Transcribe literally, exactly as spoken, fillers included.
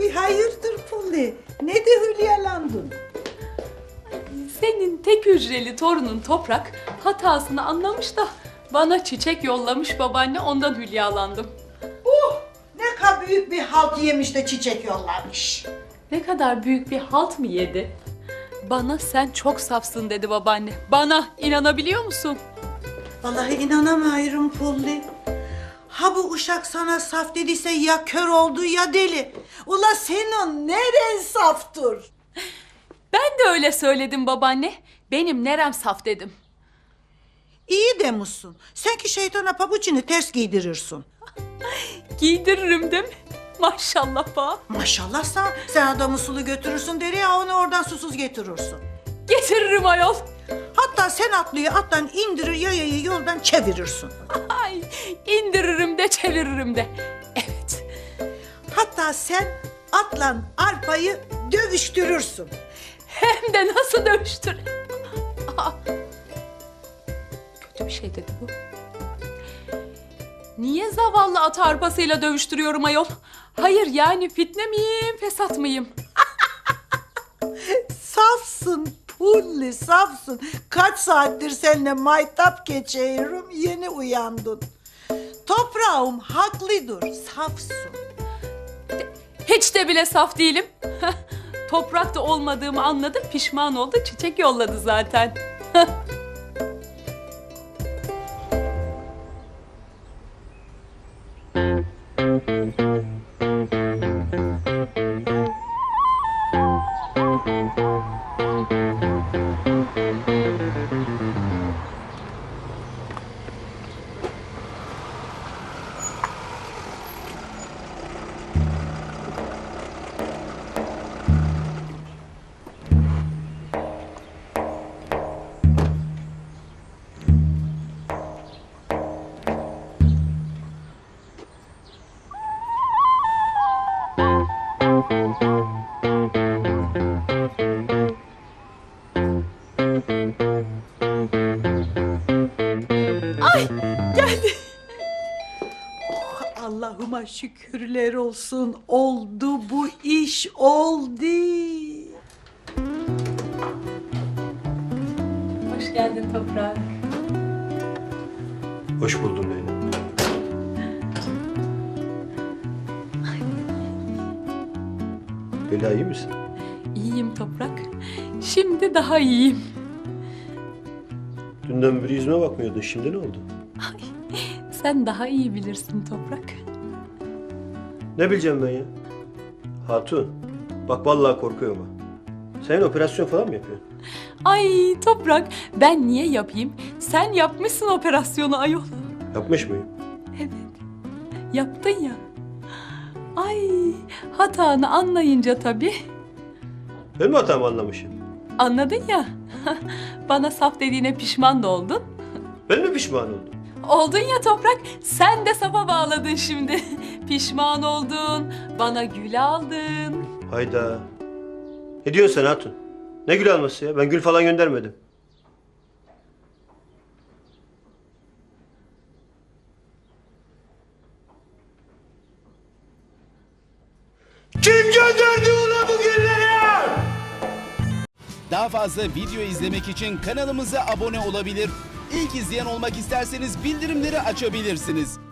Bir hayırdır Pulli? Ne de hülyalandın? Senin tek hücreli torunun Toprak hatasını anlamış da bana çiçek yollamış babaanne, ondan hülyalandım. Uh, ne kadar büyük bir halt yemiş de çiçek yollamış. Ne kadar büyük bir halt mı yedi? Bana sen çok safsın dedi babaanne. Bana inanabiliyor musun? Vallahi inanamıyorum Pulli. Ha bu uşak sana saf dediyse ya kör oldu ya deli. Ula senin neren saftır? Ben de öyle söyledim babaanne. Benim nerem saf dedim. İyi demişsin. Sen ki şeytana pabucunu ters giydirirsin. Giydiririm değil mi? Maşallah ba. Maşallah sen, sen adamı sulu götürürsün deri ya onu oradan susuz getirirsin. Getiririm ayol. Hatta sen atlıyı attan indirir yayayı yoldan çevirirsin. Ay, indiririm de çeviririm de. Evet. Hatta sen atla arpayı dövüştürürsün. Hem de nasıl dövüştür. Aa, kötü bir şey dedi bu. Niye zavallı at arpasıyla dövüştürüyorum ayol? Hayır yani fitne miyim, fesat mıyım? Safsın Pulli safsın. Kaç saattir seninle maytap geçiyorum yeni uyandın. Toprağım haklıdır safsın. Hiç de bile saf değilim. Toprakta olmadığımı anladı, pişman oldu, çiçek yolladı zaten. Ay geldi. Oh, Allah'ıma şükürler olsun oldu bu iş oldu. Hoş geldin Toprak. Hoş buldum Leyla. Leyla iyi misin? İyiyim Toprak. Şimdi daha iyiyim. Dünden beri yüzüme bakmıyordun. Şimdi ne oldu? Sen daha iyi bilirsin Toprak. Ne bileceğim ben ya? Hatun, bak vallahi korkuyorum ha. Sen operasyon falan mı yapıyorsun? Ay Toprak, ben niye yapayım? Sen yapmışsın operasyonu ayol. Yapmış mıyım? Evet, yaptın ya. Ay, hatanı anlayınca tabii. Ben mi hatamı anlamışım? Anladın ya. Bana saf dediğine pişman da oldun. Ben mi pişman oldum? Oldun ya Toprak, sen de safa bağladın şimdi. Pişman oldun, bana gül aldın. Hayda. Ne diyorsun sen Hatun? Ne gül alması ya? Ben gül falan göndermedim. Kim gönderdi ulan bu gülleri? Daha fazla video izlemek için kanalımıza abone olabilir. İlk izleyen olmak isterseniz bildirimleri açabilirsiniz.